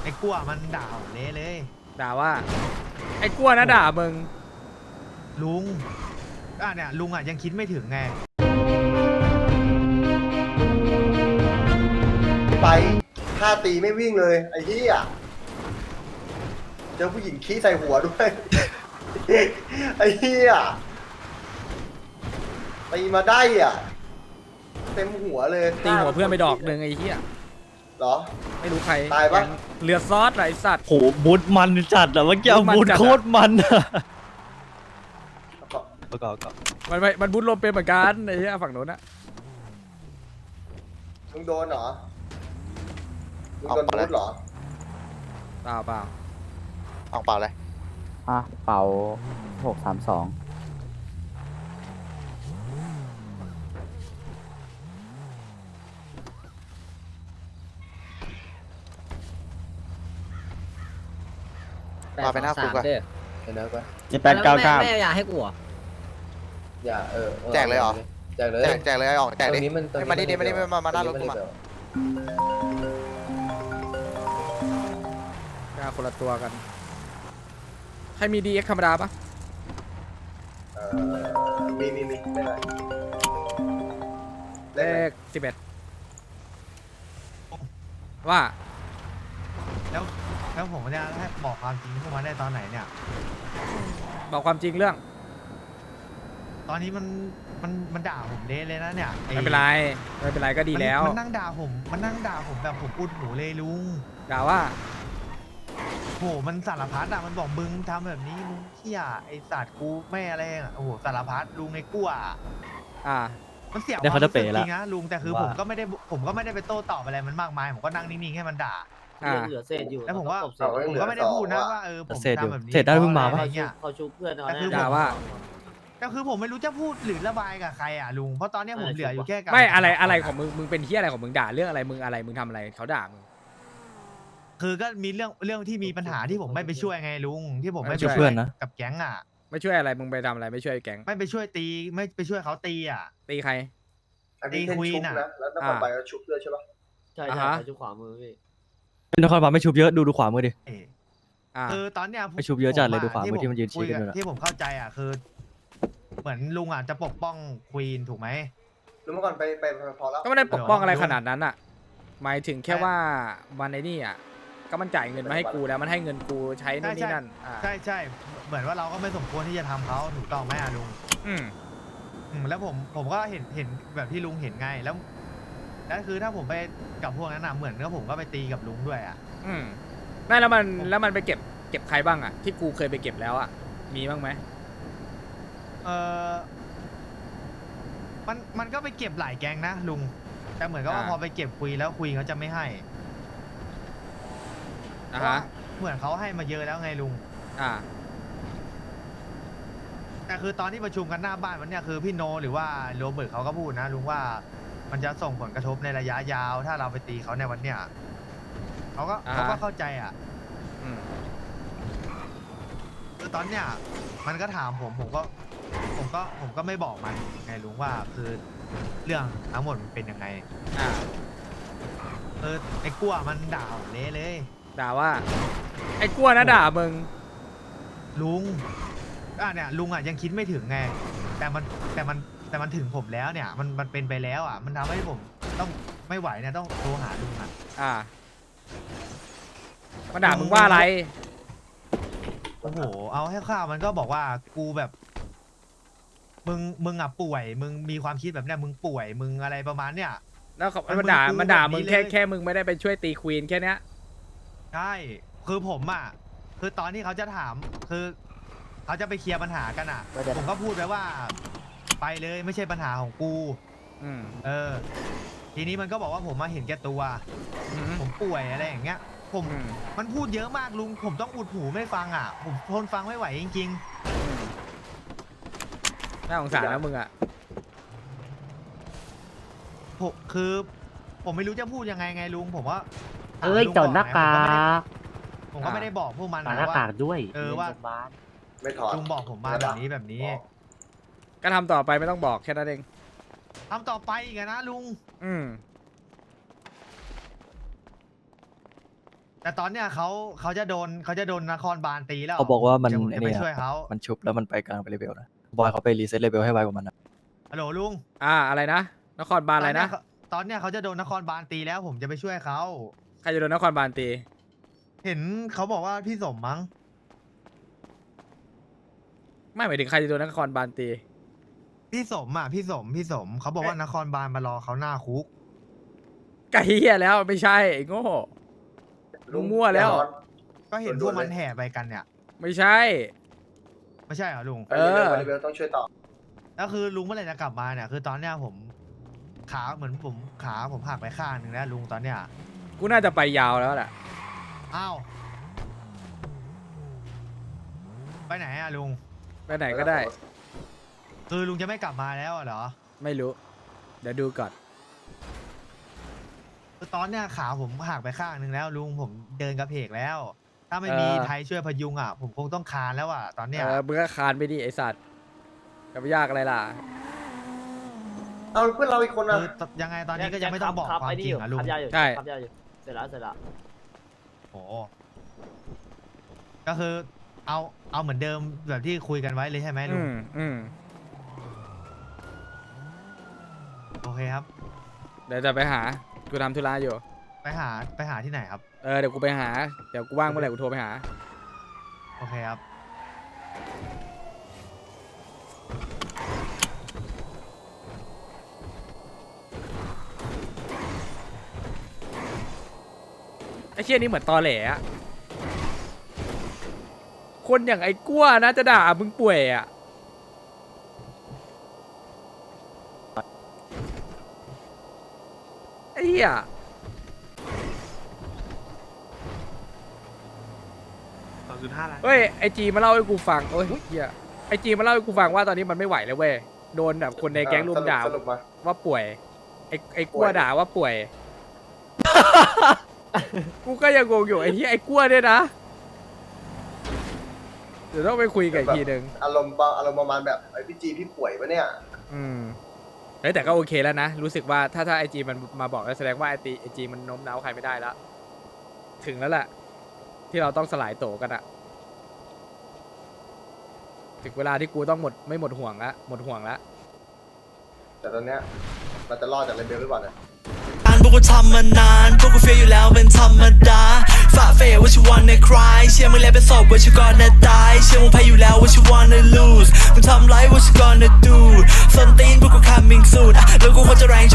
ไอ้กลัวมันด่าผมเละเลยด่าว่าไอ้กลัวนะด่ามึงลุงเนี่ยลุงยังคิดไม่ถึงไงไปท่าตีไม่วิ่งเลยไอ้เหี้ยเจอผู้หญิงขี้ใส่หัวด้วย ไอ้เหี้ยตีมาได้อ่ะเต็มหัวเลยตีหัวเพื่อนไปดอกหนึ่งไอ้เหี้ยเหรอไม่รู้ใครตายปะเหลือซอสไรสัตว์โหบูทมันจัดอะเมื่อกี้บูทมันจัดอะบูทโคตรมันอะประกอบกับมันบุญลมเป็นเหมือนกันไอ้เหี้ยฝั่งโน้นอะมึงโดนเหรอมึงโดนบูทเหรอเปล่าออกเปล่าเลยเป่า632 มาไปหน้าคุกอะเดี๋ยวนะก่อน 7899 แม่อยากให้กูเหรออย่าแจกเลยเหรอแจกเลยแจกเลยไอ้ออกแจกดิตรงนี้มันให้มาดิมาหน้ารถกูมากล้าคนละตัวกันใครมี DX ธรรมดาปะมีได้ไหมเลข11ว่าแล้วผมจะให้บอกความจริงพวกมันได้ตอนไหนเนี่ยบอกความจริงเรื่องตอนนี้มันด่าผมเละเลยนะเนี่ยไม่เป็นไรก็ดีแล้วมันนั่งด่าผมแบบผมอุดหูเลยลุงด่าว่าโหมันสารพัดมันบอกมึงทำแบบนี้มึงเขี้ยไอสัตว์กูไม่อะไรโอ้โหสารพัดลุงไอ้กลัว มันเสียความรู้สึกจริงนะลุงแต่คือผมก็ไม่ได้ไปโต้ตอบอะไรมันมากมายผมก็นั่งนิ่งๆให้มันด่าเหลือเศษอยู่แล้วผมก็ไม่ได้พูดนะว่าผมทำแบบนี้เสร็จได้เพิ่งมาปะอะไรเงี้ยเขาชุบเพื่อนเอาแต่คือด่าว่าก็คือผมไม่รู้จะพูดหรือระบายกับใครลุงเพราะตอนนี้ผมเหลืออยู่แค่การไม่อะไรของมึงเป็นที่อะไรของมึงด่าเรื่องอะไรมึงทำอะไรเขาด่ามึงคือก็มีเรื่องที่มีปัญหาที่ผมไม่ไปช่วยไงลุงที่ผมไม่ไม่ช่วยเพื่อนนะกับแก๊งไม่ช่วยอะไรมึงไปทำอะไรไม่ช่วยแก๊งไม่ไปช่วยตีไม่ไปช่วยเขาตีตีใครอันนี้เป็นชุบนะแล้วนครบาลก็ชุบด้วยใช่ปะใช่ชุบขวามือพี่นครบาลไม่ชุบเยอะดูขวามือดิคือตอนเนี้ยไปชุบเยอะจัดเลยดูขวามือที่มันยืนชี้กันอยู่ที่ผมเข้าใจคือ เหมือนลุงจะปกป้องควีนถูกไหมรู้มาก่อนไปพอแล้วก็ไม่ได้ปกป้องอะไรขนาดนั้นอ่ะหมายถึงแค่ว่าวันไอ้นี่ก็มันจ่ายเงินมาให้กูแล้วมันให้เงินกูใช้นู่นนี่นั่นใช่เหมือนว่าเราก็ไม่สมควรที่จะทำเขาถูกต้องไหมลุงแล้วผมก็เห็นแบบที่ลุงเห็นไงแล้วคือถ้าผมไปกับพวกนั้นเหมือนกับผมก็ไปตีกับลุงด้วยไม่แล้วมันไปเก็บใครบ้างที่กูเคยไปเก็บแล้วมีบ้างไหมมันก็ไปเก็บหลายแก๊งนะลุงแต่เหมือนกับว่าพอไปเก็บคุยแล้วคุยเขาจะไม่ให้เหมือนเขาให้มาเยอะแล้วไงลุงแต่คือตอนที่ประชุมกันหน้าบ้านวันเนี้ยคือพี่โนหรือว่าโรเบิร์ตเขาก็พูดนะลุงว่ามันจะส่งผลกระทบในระยะยาวถ้าเราไปตีเขาในวันเนี้ยเขาก็เข้าใจคือตอนเนี้ยมันก็ถามผมก็ไม่บอกมันไงลุงว่าคือเรื่องทั้งหมดมันเป็นยังไงไอ้กลัวมันด่าผมเละเลยด่าว่าไอ้กลัวนะด่ามึงลุงเนี่ยลุงยังคิดไม่ถึงไงแต่มันถึงผมแล้วเนี่ยมันเป็นไปแล้วมันทำให้ผมต้องไม่ไหวเนี่ยต้องโทรหาลุงมันด่ามึงว่าอะไรโอ้โหเอาให้ข้าวมันก็บอกว่ากูแบบมึงป่วยมึงมีความคิดแบบเนี้ยมึงป่วยมึงอะไรประมาณเนี้ยแล้วมันด่ามึงแค่มึงไม่ได้ไปช่วยตีควีนแค่เนี้ยใช่คือผมคือตอนที่เขาจะถามคือเขาจะไปเคลียร์ปัญหากันผมก็พูดไปว่าไปเลยไม่ใช่ปัญหาของกูทีนี้มันก็บอกว่าผมมาเห็นแก่ตัวผมป่วยอะไรอย่างเงี้ยมันพูดเยอะมากลุงผมต้องอุดหูไม่ฟังผมทนฟังไม่ไหวจริงน่าสงสารนะมึงคือผมไม่รู้จะพูดยังไงลุงผมว่าจดหน้ากากผมก็ไม่ได้บอกพวกมันหน้ากากด้วยว่าไม่ถอดลุงบอกผมมาแบบนี้ก็ทำต่อไปไม่ต้องบอกแค่นั้นเองทำต่อไปอีกนะลุงแต่ตอนเนี้ยเขาจะโดนนครบาลตีแล้วเขาบอกว่ามันเดี๋ยวผมจะไปเนี่ยช่วยเขามันชุบแล้วมันไปกลางไปเลเวลนะบอยเขาไปรีเซ็ตเลเวลให้ไวกว่ามันนะฮัลโหลลุงอะไรนะนครบาลอะไรนะตอนเนี้ยเขาจะโดนนครบาลตีแล้วผมจะไปช่วยเขาใครจะโดนนครบาลตีเห็นเขาบอกว่าพี่สมมั้งไม่หมายถึงใครจะโดนนครบาลตีพี่สมเขาบอกว่านครบาลมารอเขาหน้าคุกไก่เหี้ยแล้วไม่ใช่ไอ้โง่ลุงมั่วแล้วก็เห็นพวกมันแห่ไปกันเนี่ยไม่ใช่ไม่ใช่เหรอลุงไปเลเวลต้องช่วยต่อแล้วคือลุงเมื่อไหร่จะกลับมาเนี่ยคือตอนเนี้ยผมขาผมหักไปข้างหนึ่งแล้วลุงตอนเนี้ยกูน่าจะไปยาวแล้วแหละอ้าวไปไหนอะลุงไปไหนก็ได้คือลุงจะไม่กลับมาแล้วเหรอไม่รู้ เดี๋ยวดูก่อนคือตอนเนี้ยขาผมหักไปข้างหนึ่งแล้วลุงผมเดินกระเพกแล้ว ถ้าไม่มีไทยช่วยพยุงอ่ะผมคงต้องคานแล้วอ่ะตอนเนี้ยมึงก็คานไปดิไอสัตว์จะไปยากอะไรล่ะเอาเพื่อนเราอีกคนอ่ะคือยังไงตอนนี้ก็ยังไม่ต้องบอกความจริงอ่ะลุงขับยาอยู่ใช่ขับยาอยู่เสร็จแล้วโอ้ก็คือเอาเหมือนเดิมแบบที่คุยกันไว้เลยใช่ไหมลุง โอเคครับเดี๋ยวจะไปหา กูทำธุระอยู่ไปหาที่ไหนครับเดี๋ยวกูไปหา เดี๋ยวกูว่างเมื่อไหร่กูโทรไปหาโอเคครับไอ้เชี่ยนี่เหมือนตอแหลอะคนอย่างไอ้กั้วนะจะด่ามึงป่วยอะไอ้เหี้ยเฮ้ยไอจีมาเล่าให้กูฟังโอ้ยเหี้ยไอจีมาเล่าให้กูฟังว่าตอนนี้มันไม่ไหวแล้วเว้ยโดนแบบคนในแก๊งรุมด่าสรุปมาว่าป่วยไอ้กั้วด่าว่าป่วย กูก็ยังงงอยู่ไอ้ที่ไอ้กั้วเนี่ยนะ เดี๋ยวต้องไปคุยกับอีกทีหนึ่งอารมณ์ประมาณแบบไอพี่จีพี่ป่วยปะเนี่ยเฮ้ยแต่ก็โอเคแล้วนะ รู้สึกว่าถ้าไอจีมันมาบอกแล้วแสดงว่าไอจีมันโน้มน้าวใครไม่ได้แล้ว ถึงแล้วแหละที่เราต้องสลายโตกันอะถึงเวลาที่กูต้องไม่หมดห่วงละหมดห่วงละแต่ตอนเนี้ยเราจะรอดจากเลเวลหรือเปล่าเนี่ยพวกกูทำมานานพวกกูเฟียอยู่แล้วเป็นธรรมดาฝ่าเฟยว่า you wanna cry เชื่อมึงแล้วเป็นศพว่า you gonna die เชื่อมึงแพ้อยู่แล้วว่า you wanna lose มึงทำไร what you gonna do ส้นตีนพวกกู coming soon แล้วกูควรจะแรง